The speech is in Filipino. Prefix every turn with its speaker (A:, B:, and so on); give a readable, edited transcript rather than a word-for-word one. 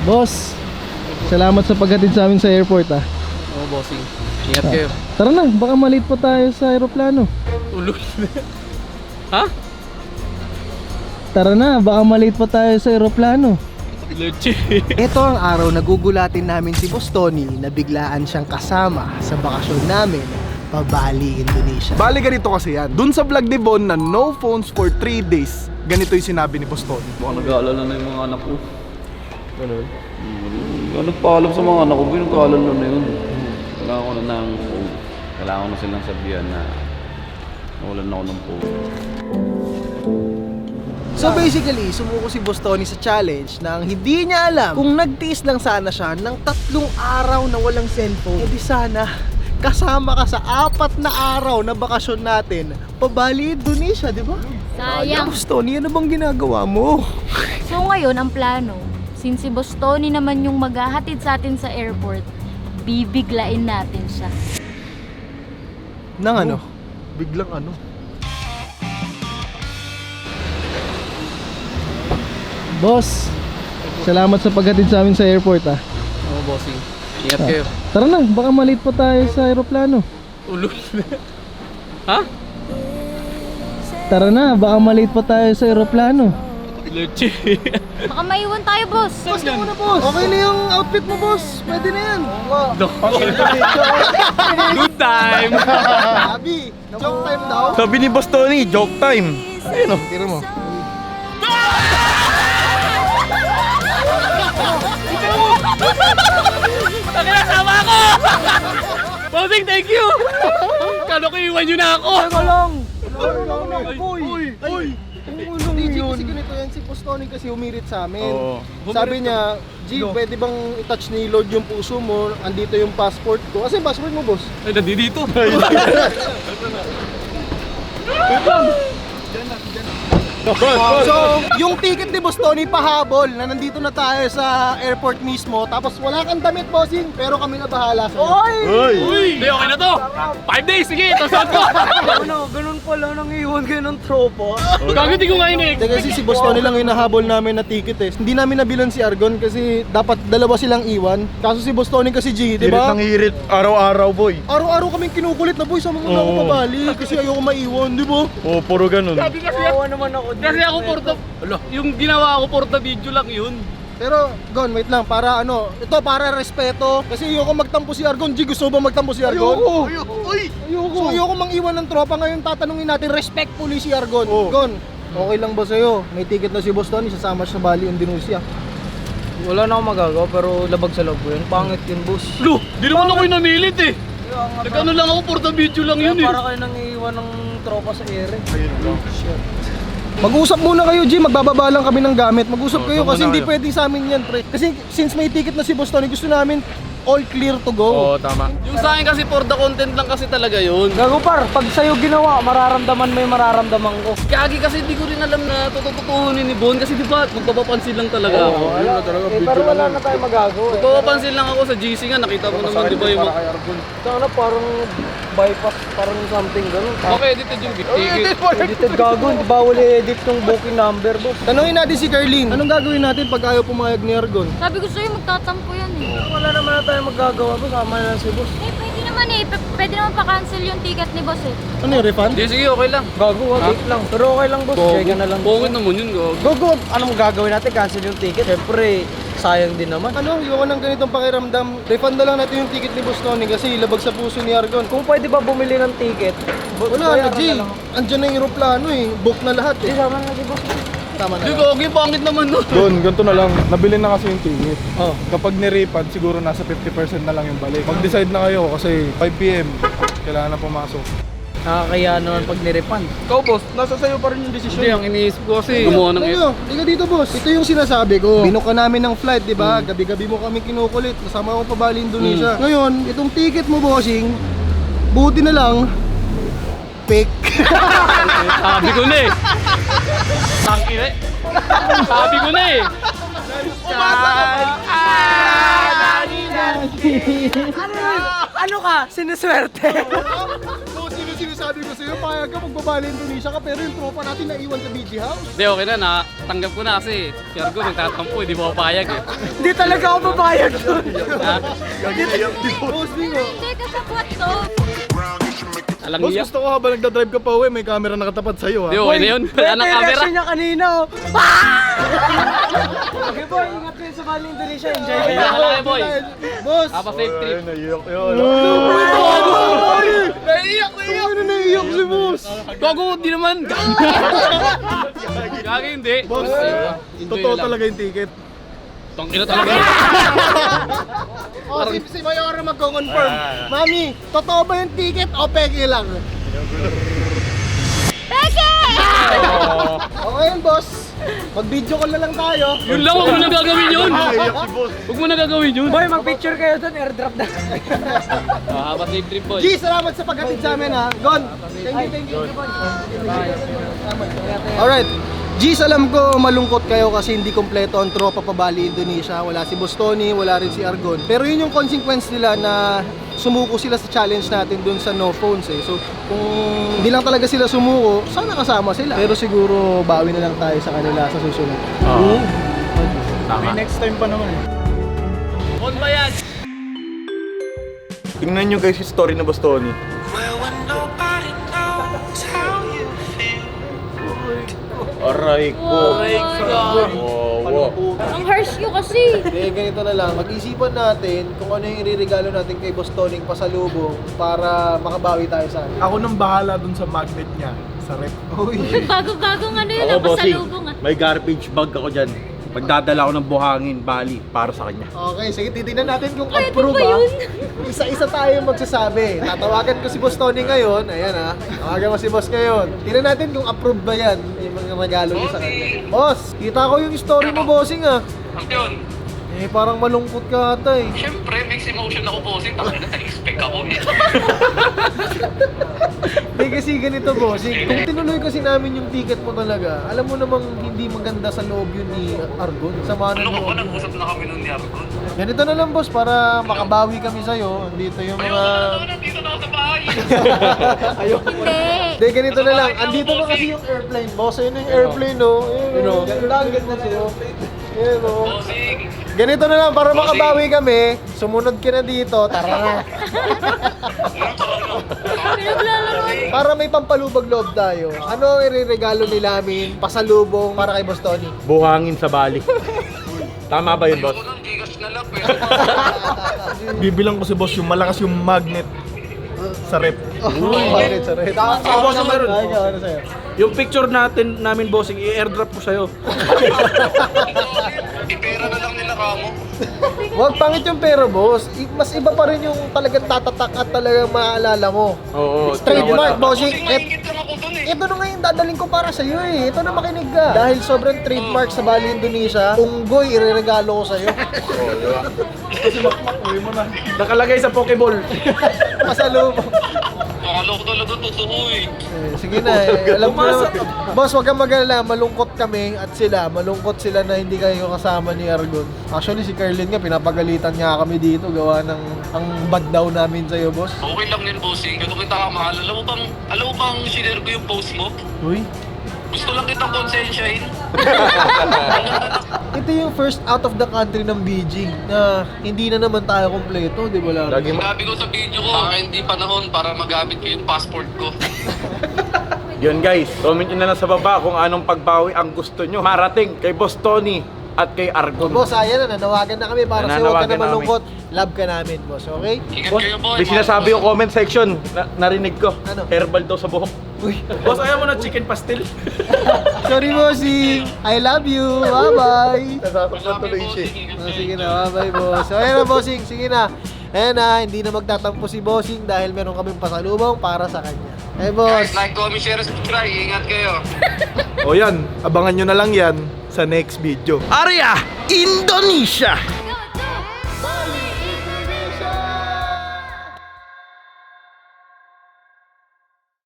A: Boss, salamat sa paghatid sa amin sa airport ah.
B: Oo, bossing. Ingat kayo.
A: Tara na, baka malate pa tayo sa aeroplano.
B: Ulul. Ha?
A: Tara na, baka malate pa tayo sa aeroplano.
B: Leche.
C: Ito ang araw na gugulatin namin si Boss Tony na biglaan siyang kasama sa bakasyon namin pa Bali, Indonesia.
D: Bali ganito kasi yan. Dun sa vlog ni Bon na no phones for 3 days, ganito yung sinabi ni Boss Tony.
E: Baka nag-aalala na yung mga anak ko. Ganun? Nagpaalam sa mga anak ko, nag-aalala na yun. Kailangan ko na ng phone. Kailangan ko na silang sabihan na nawalan na ako ng phone.
C: So basically, sumuko si Boss Tony sa challenge nang hindi niya alam kung nagtiis lang sana siya ng 3 araw na walang cellphone. Eh di sana, kasama ka sa 4 na araw na bakasyon natin pa Bali, Indonesia, di ba?
F: Sayang.
C: Boss Tony, ano bang ginagawa mo?
F: So ngayon, ang plano, since si Boss Tony naman yung maghahatid sa atin sa airport, bibiglain natin siya.
C: Nang ano?
D: Biglang ano?
A: Boss, salamat sa paghatid sa amin sa airport ah.
B: Oo, bossing. Ingat kayo.
A: Tara na, baka malate pa tayo sa aeroplano.
B: Ulul. Ha?
A: Tara na, baka malate pa tayo sa aeroplano.
B: Leche.
F: Baka maiwan tayo, boss.
C: Boss, ka muna, boss! Okay na yung outfit mo, boss! Pwede na yan!
B: Good time.
C: Sabi, joke time daw.
D: Sabi ni Boss Tony, joke time. Ayun o, tira mo.
B: Nakakasama ako! Bossing, thank you! Kano ko iwan nyo na ako?
C: Teka lang! Uy! DJ kasi ganito yan, si Boss Tony kasi umirit sa amin. Sabi niya, G, pwede bang i-touch ni Lord yung puso mo? Andito yung passport ko. Kasi passport mo, boss?
B: Ay, nandito.
C: So, yung ticket ni Boss Tony pahabol na nandito na tayo sa airport mismo. Tapos wala kang damit, bossing, pero kami na bahala sa'yo.
B: Uy! Hindi, okay na to. 5 days, sige, tasod ko.
C: Ganun pala nang iwan kayo ng tropa.
B: Gago, di ko nga inig.
C: Kasi si Boss Tony lang yung nahabol namin na ticket eh. Hindi namin nabilan si Argon kasi dapat dalawa silang iwan. Kaso si Boss Tony kasi G, di ba?
D: hirit, araw-araw boy.
C: Araw-araw kaming kinukulit na boy, sama mo na ako pabali kasi ayoko maiwan, di ba?
D: Oo, puro ganun.
B: Kasi ako porta, yung ginawa ko porta video lang yun.
C: Pero, Gon, wait lang, para ano, ito para respeto. Kasi ayoko magtampo si Argon. G, gusto ba magtampo si Argon? Ayoko. So ayoko mang iwan ng tropa. Ngayon tatanungin natin respectfully si Argon. Gon, okay lang ba sa'yo? May ticket na si Boss Tony, sasama siya sa Bali, Indonesia.
G: Wala na akong magagawa pero labag sa loob ko yun. Pangit yun, boss.
B: Lo, di naman ako yung namilit eh. Nagkano lang ako porta video lang yun eh.
G: Para kayo nang iiwan ng tropa sa ere.
C: Mag-usap muna kayo, G. Magbababa lang kami ng gamit. Mag-usap kayo kasi hindi pwedeng sa amin yan, pre. Kasi since may ticket na si Boss Tony, gusto namin all clear to go.
B: Oo, tama. Yung sa akin kasi for the content lang kasi talaga yun.
G: Gago par, pag sa'yo ginawa, mararamdaman mo yung mararamdaman ko.
B: Kagi kasi di ko rin alam na tutututuhunin ni Bon kasi di ba magpapapansin lang talaga ako.
G: Pero wala na tayong magagawa.
B: Magpapapansin lang ako sa GC nga, nakita mo naman di ba yung mga...
G: Sana parang bypass, parang something gano'n.
B: Okay, edited yung ticket.
G: Edited gago, hindi bawal i-edit yung booking number, boss.
C: Tanungin natin si Carlene. Anong gagawin natin pag ayaw pumayag ni Argon?
F: Sabi ko sa'yo, magtatampo yan eh.
G: Wala naman na tayong magagawa, boss. Sama na lang si boss.
F: Eh, pwede naman eh. Pwede naman pa-cancel yung ticket ni boss eh.
C: Ano yung refund?
B: Hindi, sige, okay lang.
G: Gago, wait lang. Pero okay lang, boss. Check na lang.
B: Bongit naman yun, go.
G: Gogo, anong gagawin natin? Cancel yung ticket. Siyempre, sayang din naman.
C: Ano, yung ng ganitong pakiramdam, refund na lang natin yung ticket ni Boss Tony kasi labag sa puso ni Argon.
G: Kung pwede ba bumili ng ticket?
C: Wala na, G. Andyan na yung aeroplano eh. Book na lahat eh.
G: Sama na si boss.
C: Tama na.
B: Hindi, gogi, pangit naman nun.
D: Doon, ganito na lang. Nabili na kasi yung ticket. Kapag ni-refund, siguro nasa 50% na lang yung balik. Mag-decide na kayo kasi 5 PM, kailangan na pumasok.
G: Nakakaya naman pag nirefund.
D: Ikaw boss, nasa sayo pa rin yung desisyon.
B: Hindi, ang iniisip ko kasi gumawa ng...
C: Ano? Liga dito, boss. Ito yung sinasabi ko. Binuka namin ng flight, di ba? Gabi-gabi mo kami kinukulit. Nasama ko pa Bali, Indonesia. Ngayon, itong ticket mo, bossing, buti na lang, fake.
B: Sabi ko na eh. Tangin eh. Sabi ko na eh.
G: Ano ka? Sinuswerte.
C: So, sino sinasabi ko sa'yo? papayag ka, magbabali Indonesia ka, pero yung tropa natin naiwan sa BG House.
B: Hindi, okay na. Tanggap ko na kasi si Argon nagtatampo, hindi mo papayag eh.
G: Hindi talaga ako papayag doon.
B: Ha?
C: Bossing oh.
F: Hindi ka sa kwat to.
B: Alang
D: Boss,
B: niya.
D: gusto ko habang nagdadrive ka pa uwi, may camera nakatapat sa'yo ha.
B: Hindi, okay na yun. Wala nang camera.
G: reaction niya kanina. Oh. Okay boy, ingat kayo sa Bali Indonesia. Enjoy kayo.
B: Wala kayo, boy.
C: Boss!
B: Have a safe trip.
D: Ay, naiyak yun.
C: Naiiyak si boss!
B: Gago, di naman. Gago, hindi.
D: Boss,
B: Enjoy
D: totoo
B: lang.
D: talaga yung ticket.
B: Tangina talaga.
C: O, si Mayora magko-confirm. Mami, totoo ba yung ticket o peke lang?
F: Peke!
C: Okay yun, boss. Mag-video call na lang tayo.
B: Yun lang, huwag mo na gagawin yun. Huwag mo na gagawin yun.
G: Boy, mag-picture kayo doon. Airdrop na.
B: Have a safe trip, boy.
C: G, salamat sa paghatid sa amin ha. Gon, thank you. Alright. G, alam ko malungkot kayo kasi hindi kompleto ang tropa pa Bali Indonesia. Wala si Boss Tony, wala rin si Argon. Pero yun yung consequence nila na sumuko sila sa challenge natin dun sa no phones eh. So kung hindi lang talaga sila sumuko, sana kasama sila. Pero siguro bawi na lang tayo sa kanila sa susunod.
D: May next time pa naman eh.
B: On ba yan?
D: Tingnan nyo guys yung story na Boss Tony. Aray ko.
F: Ang harsh nyo kasi.
C: Eh, ganito na lang. Mag-isipan natin kung ano yung iririgalo natin kay Boss Toning pasalubong para makabawi tayo sa akin.
D: Ako nang bahala dun sa magnet niya, sa rep.
C: Uy.
F: Bago-bagong ano yun,
H: Ako, bossing,
F: pasalubong ah.
H: may garbage bag ako dyan. Pagdadala ko ng buhangin, Bali, para sa kanya.
C: Okay, sige, titignan natin kung
F: Pwede
C: approve
F: ba
C: ah.
F: yun?
C: Isa-isa tayo magsasabi. Tatawagan ko si Boss Tony ngayon. Ayan ah. Tawagan mo si Boss ngayon. Tignan natin kung approve ba yan. Yung mga regalo niya sa kanya. Boss, kita ko yung story mo, bossing ah.
I: Ang yun,
C: Eh, parang malungkot ka ata eh.
I: syempre mixed emotion ako bossing, takot na expect ako eh.
C: Hindi kasi ganito, bossing. Kung tinuloy kasi namin yung ticket mo talaga, alam mo namang hindi maganda sa loob yun ni Argon. Sama na
I: Ano ko ba,
C: loob.
I: nag-usap na kami nun ni Argon.
C: Ganito na lang, boss, para makabawi kami sa'yo. Andito yung
I: Ayoko
C: mga...
I: na naman, nandito na ako sa bahay.
F: Hindi.
C: Hindi, ganito na lang. Andito na kasi yung airplane, boss. Ayun na yung airplane, no? Ayun, no? Ganda, ang ganda sa'yo. Ayun, no?
I: Bossing,
C: Ganito na lang, para makabawi kami. Sumunod ka na dito, tara na.
F: Pinaglalaroan.
C: Para may pampalubag loob tayo. Ano ang ireregalo ni Lamin, pasalubong para kay Boss Tony?
H: Buhangin sa Bali. Tama ba yun, boss?
I: ayoko ng Gcash na lang, pwede ba?
D: Bibilang ko si boss yung malakas yung magnet sa rep.
C: Bakit sa red?
G: boss, meron.
C: Ano sa'yo?
G: Yung picture namin bossing, i-airdrop ko sa'yo.
I: Ipera na lang nila kamo.
C: Huwag pangit yung pera, boss. Mas iba pa rin yung talagang tatatak at talagang maaalala mo.
H: Oo.
C: Trademark, bossing.
I: Bossing, maingit lang ako dun eh.
C: Ito na nga yung dadaling ko para sa'yo eh. Ito na makinig ka. Dahil sobrang trademark sa Bali Indonesia, unggoy ireregalo ko sa'yo.
G: Nakalagay sa Pokeball.
C: Pasalubong.
I: Akala ko talaga totoo eh.
C: Sige na eh. Alam mo na. Boss, wag kang mag-alala. Malungkot kami at sila. Malungkot sila na hindi kayo kasama ni Argon. Actually, si Carlin nga, pinapagalitan niya kami dito. Gawa ng ang bad daw namin sa'yo, boss.
I: Okay lang yun bossing, ganun kita kamahal. Alam mo bang sinare ko yung post mo?
C: Uy.
I: Gusto lang kitang konsensyahin.
C: Ito yung first out of the country ng BG na hindi na naman tayo kompleto, di ba Larry?
H: Lagi
I: Sinabi ko sa video ko, hindi panahon para magamit ko yung passport ko.
H: Yun guys, comment nyo na lang sa baba kung anong pagbawi ang gusto nyo marating kay Boss Tony at kay Argon.
C: Boss, ayan na, nanawagan na kami para sa'yo. Huwag ka na
H: Nananawagan na
C: malungkot. Love ka namin, boss, okay?
I: Ingat
H: Boss,
I: kayo boy.
H: may sinasabi yung comment section. Narinig ko.
C: Ano?
H: Herbal daw sa buhok.
G: Boss, ayaw mo na chicken pastel?
C: Sorry, bossing. I love you. Bye-bye.
D: Nasasaktan tuloy siya.
C: Sige na, bye-bye, boss. So, ayan na, bossing. Sige na. Ayan na, hindi na magtatampo si bossing dahil meron kaming pasalubong para sa kanya. Eh, boss.
I: Guys, like, comment, share, subscribe. Ingat kayo.
D: O yan, abangan nyo na lang yan sa next video.
H: Arya, Indonesia!